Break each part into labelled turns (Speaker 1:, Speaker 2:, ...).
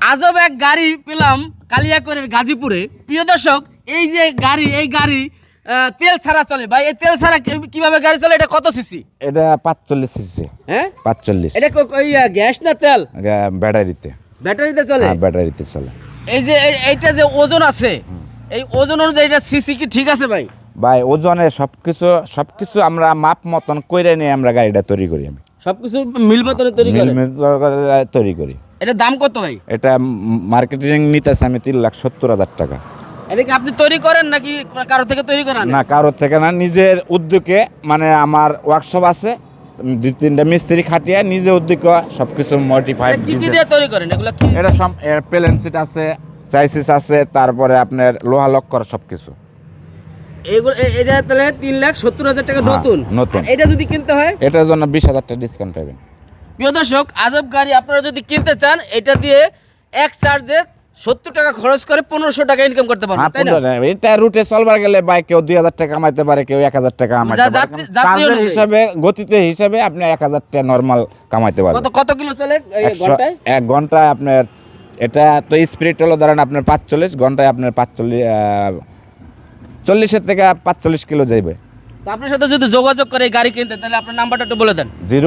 Speaker 1: আজব এক গাড়ি পেলাম কালিয়াকৈরের গাজীপুরে। প্রিয় দর্শক, এই যে গাড়ি, এই গাড়ি তেল ছাড়া চলে ভাই। এই তেল ছাড়া কিভাবে গাড়ি চলে? এটা কত সিসি?
Speaker 2: এটা 45 সিসি।
Speaker 1: হ্যাঁ
Speaker 2: 45।
Speaker 1: এটা ওই গ্যাস না তেল?
Speaker 2: ব্যাটারিতে।
Speaker 1: ব্যাটারিতে চলে?
Speaker 2: হ্যাঁ ব্যাটারিতে চলে।
Speaker 1: এই যে এইটা যে ওজন আছে, এই ওজন অনুযায়ী এটা সিসি কি ঠিক আছে ভাই?
Speaker 2: ভাই ওজনে সবকিছু আমরা মাপ মতন কইরে নিয়ে আমরা গাড়িটা তৈরি করি। আমি
Speaker 1: সবকিছু মিল মতন তৈরি করে
Speaker 2: তৈরি করি।
Speaker 1: এটা দাম কত ভাই?
Speaker 2: এটা মার্কেটিং নিতেছে আমি 3,70,000 টাকা।
Speaker 1: এটা কি আপনি তৈরি করেন নাকি কারো থেকে তৈরি করেন?
Speaker 2: না, কারোর থেকে না, নিজের উদ্যোগে। মানে আমার ওয়ার্কশপ আছে, 2-3টা মিস্ত্রি খাটিয়ে নিজে উদ্যোগে সবকিছু মডিফাইড।
Speaker 1: কি কি দিয়ে তৈরি করেন এগুলো? কি
Speaker 2: এটা সব প্লেন সিট আছে, চাইসিস আছে, তারপরে আপনার লোহা লক্কর সবকিছু।
Speaker 1: এগুলো এটা তাহলে 3,70,000 টাকা নতুন।
Speaker 2: নতুন।
Speaker 1: আর এটা যদি কিনতে হয়
Speaker 2: এটার জন্য 20,000 টাকা ডিসকাউন্ট পাবেন।
Speaker 1: প্রিয় দর্শক, আজব গাড়ি আপনারা যদি কিনতে চান, এটা দিয়ে এক চার্জে 70 টাকা খরচ করে 1500 টাকা ইনকাম করতে পারবেন, তাই না?
Speaker 2: এটা রুটে চলবার গেলে ভাই কেউ 2,000 টাকা কামাইতে পারে, কেউ 1,000 টাকা কামাইতে পারে। চার্জের হিসাবে, গতিতে হিসাবে আপনি 1,000 টাকা নরমাল কামাইতে পারবেন।
Speaker 1: কত কিলো চলে ঘন্টায়?
Speaker 2: 1 ঘন্টায় আপনার, এটা তো স্পিড হলো ধরেন আপনার 45, ঘন্টায় আপনার 40 থেকে 45 কিলো যাইবে।
Speaker 1: তো আপনার সাথে যদি যোগাযোগ করে গাড়ি কিনতে, তাহলে আপনার নাম্বারটা একটু বলে দেন।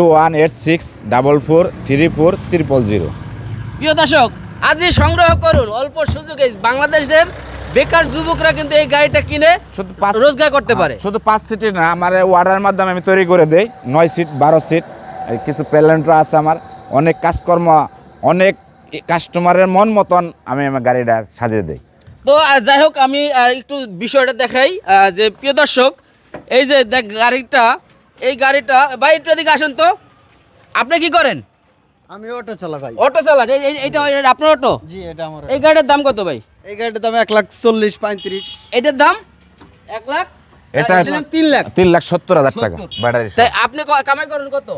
Speaker 2: 01864443000।
Speaker 1: প্রিয় দর্শক, আজই সংগ্রহ করুন অল্প সুযোগে। বাংলাদেশের বেকার যুবকরা কিন্তু এই গাড়িটা কিনে
Speaker 2: শুধু
Speaker 1: রোজগার করতে পারে।
Speaker 2: শুধু 5 সিটের না, আমার অর্ডারের মাধ্যমে আমি তৈরি করে দেই 9 সিট 12 সিট। কিছু প্যালেন্টরা আছে আমার, অনেক কাজকর্ম, অনেক কাস্টমারের মন মতন আমি আমার গাড়িটা সাজিয়ে দেই।
Speaker 1: তো যাই হোক, আমি একটু বিষয়টা দেখাই যে প্রিয় দর্শক, এই যে দেখ গাড়িটা, এই গাড়িটা ভাই একটু এদিকে আসেন তো। আপনি কি করেন?
Speaker 3: আমি অটো চালা ভাই।
Speaker 1: অটো চালান? এইটা আপনার অটো?
Speaker 3: জি, এটা আমার।
Speaker 1: এই গাড়িটার দাম কত ভাই?
Speaker 3: এই গাড়িটার দাম 1,40,35।
Speaker 1: এটার দাম 1 লাখ?
Speaker 2: এটা
Speaker 1: 3 লাখ?
Speaker 2: 3,70,000 টাকা ব্যাটারি।
Speaker 1: তাই আপনি কামাই করেন কত?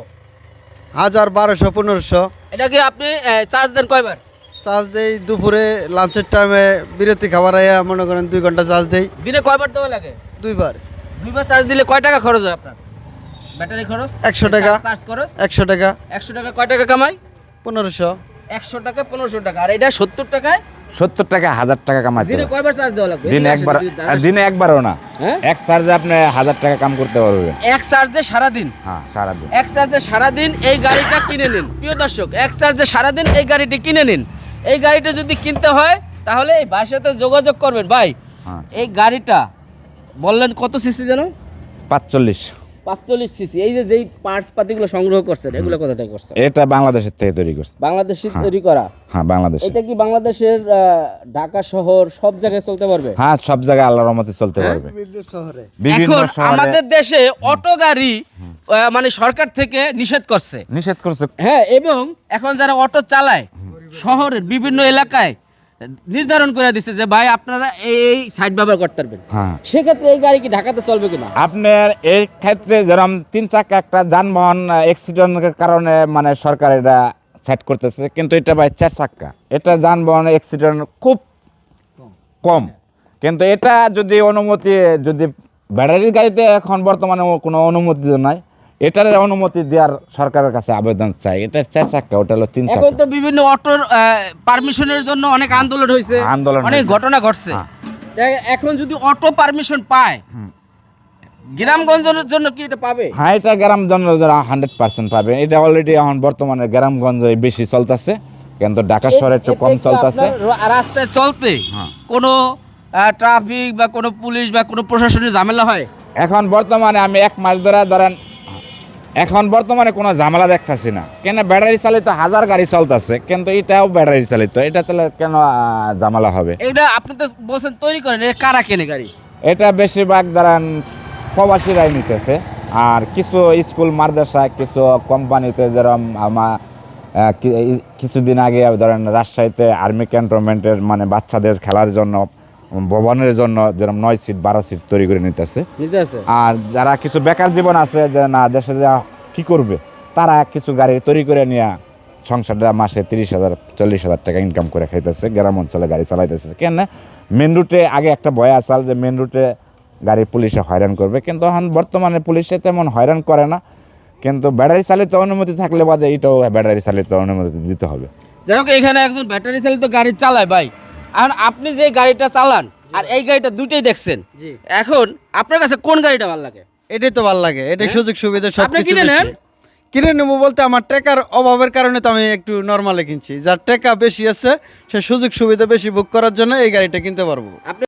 Speaker 3: 1,000, 1,200, 1,500।
Speaker 1: এটা কি আপনি চার্জ দেন কয়বার?
Speaker 3: চার্জ দেই দুপুরে, লাঞ্চের টাইমে, বিরতি খাবার আয়া মনে করেন 2 ঘন্টা চার্জ দেই।
Speaker 1: দিনে কয়বার দেওয়া লাগে?
Speaker 3: 2 বার।
Speaker 1: 2 বার চার্জ দিলে কয় টাকা খরচ হয় আপনার? ব্যাটারি খরচ
Speaker 3: 100 টাকা।
Speaker 1: চার্জ খরচ
Speaker 3: 100 টাকা।
Speaker 1: 100 টাকা কয় টাকা কামাই?
Speaker 3: 1,500।
Speaker 1: 100 টাকা 1500 টাকা। আর এটা 70 টাকায়
Speaker 2: 70 টাকা 1,000 টাকা কামাইতে
Speaker 1: দিনে
Speaker 2: হবে।
Speaker 1: কয়বার চার্জ দেওয়া লাগবে?
Speaker 2: দিনে একবারও না,
Speaker 1: হ্যাঁ?
Speaker 2: এক চার্জে আপনি 1,000 টাকা কাম করতে পারবেন।
Speaker 1: এক চার্জে সারাদিন?
Speaker 2: হ্যাঁ, সারাদিন।
Speaker 1: এক চার্জে সারাদিন এই গাড়িটা কিনে নিন। প্রিয় দর্শক, এক চার্জে সারাদিন এই গাড়িটি কিনে নিন। এই গাড়িটা যদি কিনতে হয় তাহলে এই ভাইয়ের সাথে যোগাযোগ করবেন। ভাই,
Speaker 2: হ্যাঁ।
Speaker 1: এই গাড়িটা বললেন কত সিসি যেন?
Speaker 2: 45।
Speaker 1: 45 সিসি। এই যে যেই পার্টস পাতিগুলো সংগ্রহ করছেন, এগুলো কোথা থেকে করছেন?
Speaker 2: এটা বাংলাদেশের থেকে তৈরি করছে।
Speaker 1: বাংলাদেশে তৈরি করা?
Speaker 2: হ্যাঁ, বাংলাদেশ।
Speaker 1: এটা কি বাংলাদেশের ঢাকা শহর সব জায়গায় চলতে পারবে?
Speaker 2: হ্যাঁ, সব জায়গায় আল্লাহর রহমতে চলতে পারবে।
Speaker 3: শহরে
Speaker 2: বিভিন্ন
Speaker 1: এখন
Speaker 2: শহরে
Speaker 1: আমাদের দেশে অটো গাড়ি মানে সরকার থেকে নিষেধ করছে।
Speaker 2: নিষেধ করছে।
Speaker 1: হ্যাঁ, এবং এখন যারা অটো চালায় শহরের বিভিন্ন এলাকায় নির্ধারণ করে দিচ্ছে যে ভাই আপনারা এই সাইড ব্যবহার করতে পারবেন।
Speaker 2: হ্যাঁ,
Speaker 1: সেক্ষেত্রে এই গাড়ি কি ঢাকাতে চলবে কিনা?
Speaker 2: আপনার এই ক্ষেত্রে যেরকম 3 চাকা একটা যানবাহন অ্যাক্সিডেন্টের কারণে মানে সরকার এটা সেট করতেছে, কিন্তু এটা ভাই 4 চাকা, এটা যানবাহনের অ্যাক্সিডেন্ট খুব কম। কিন্তু এটা যদি অনুমতি, যদি ব্যাটারির গাড়িতে এখন বর্তমানে কোনো অনুমতি নাই, এটার অনুমতি দেওয়ার সরকারের কাছে আবেদন চাই। এটা 4 চাকা, ওটা হলো 3
Speaker 1: এখন
Speaker 2: চাকা।
Speaker 1: তো বিভিন্ন অটোর পারমিশনের জন্য অনেক আন্দোলন হয়েছে,
Speaker 2: আন্দোলন
Speaker 1: অনেক
Speaker 2: হয়েছে।
Speaker 1: ঘটনা ঘটছে। তাই এখন যদি অটো পারমিশন পায়, গ্রামগঞ্জের জন্য কি এটা পাবে?
Speaker 2: হ্যাঁ, এটা গ্রামগঞ্জ 100% পাবে। এটা অলরেডি এখন বর্তমানে গ্রামগঞ্জে বেশি চলতেছে, কিন্তু ঢাকা শহরে একটু কম চলতেছে।
Speaker 1: রাস্তায় চলতে
Speaker 2: হ্যাঁ।
Speaker 1: কোনো ট্রাফিক বা কোনো পুলিশ বা কোনো প্রশাসনের ঝামেলা হয়?
Speaker 2: এখন বর্তমানে আমি 1 মাস ধরে ধরেন, এখন বর্তমানে কোনো ঝামেলা দেখতেছি না। কেন, ব্যাটারি চালিত 1000 গাড়ি চলতেছে, কিন্তু এটাও ব্যাটারি চালিত, এটা তাহলে কেন ঝামেলা হবে?
Speaker 1: এটা আপনি তো বলছেন তৈরি করেন, এটা কারা কেনে গাড়ি?
Speaker 2: এটা বেশিরভাগ ধরেন প্রবাসীরাই নিতেছে, আর কিছু স্কুল মাদ্রাসা, কিছু কোম্পানিতে, যেরকম আমার কিছুদিন আগে ধরেন রাজশাহীতে আর্মি ক্যান্টনমেন্টের মানে বাচ্চাদের খেলার জন্য, ভবনের জন্য যেরকম 9 সিট 12 সিট তৈরি করে নিতেছে। আর যারা কিছু বেকার জীবন আছে, যে না দেশে যা কি করবে, তারা কিছু গাড়ি তৈরি করে নিয়ে সংসারটা মাসে 30,000 40,000 টাকা ইনকাম করে খাইতেছে, গ্রাম অঞ্চলে গাড়ি চালাইতেছে। কেন, মেন রুটে আগে একটা ভয় আসাল যে মেন রুটে গাড়ি পুলিশে হয়রান করবে, কিন্তু এখন বর্তমানে পুলিশে তেমন হয়রান করে না। কিন্তু ব্যাটারি চালিত অনুমতি থাকলে বাদে এটাও ব্যাটারি চালিত অনুমতি দিতে হবে।
Speaker 1: যাই হোক এখানে একজন ব্যাটারি চালিত গাড়ি চালায় ভাই, এখন আপনি যে গাড়িটা চালান আর এই গাড়িটা দুইটাই দেখছেন,
Speaker 3: জি।
Speaker 1: এখন আপনার কাছে কোন গাড়িটা ভালো লাগে?
Speaker 3: এটাই তো ভালো লাগে, এটাই সুযোগ সুবিধা সব
Speaker 1: আপনি
Speaker 3: কিছু
Speaker 1: কিনে নেন?
Speaker 3: কিনে নেবো বলতে আমার টাকার অভাবের কারণে তো আমি একটু নর্মালে কিনছি, যার টাকা বেশি আছে সে সুযোগ সুবিধা বেশি বুক করার জন্য এই গাড়িটা কিনতে পারবো।
Speaker 1: আপনি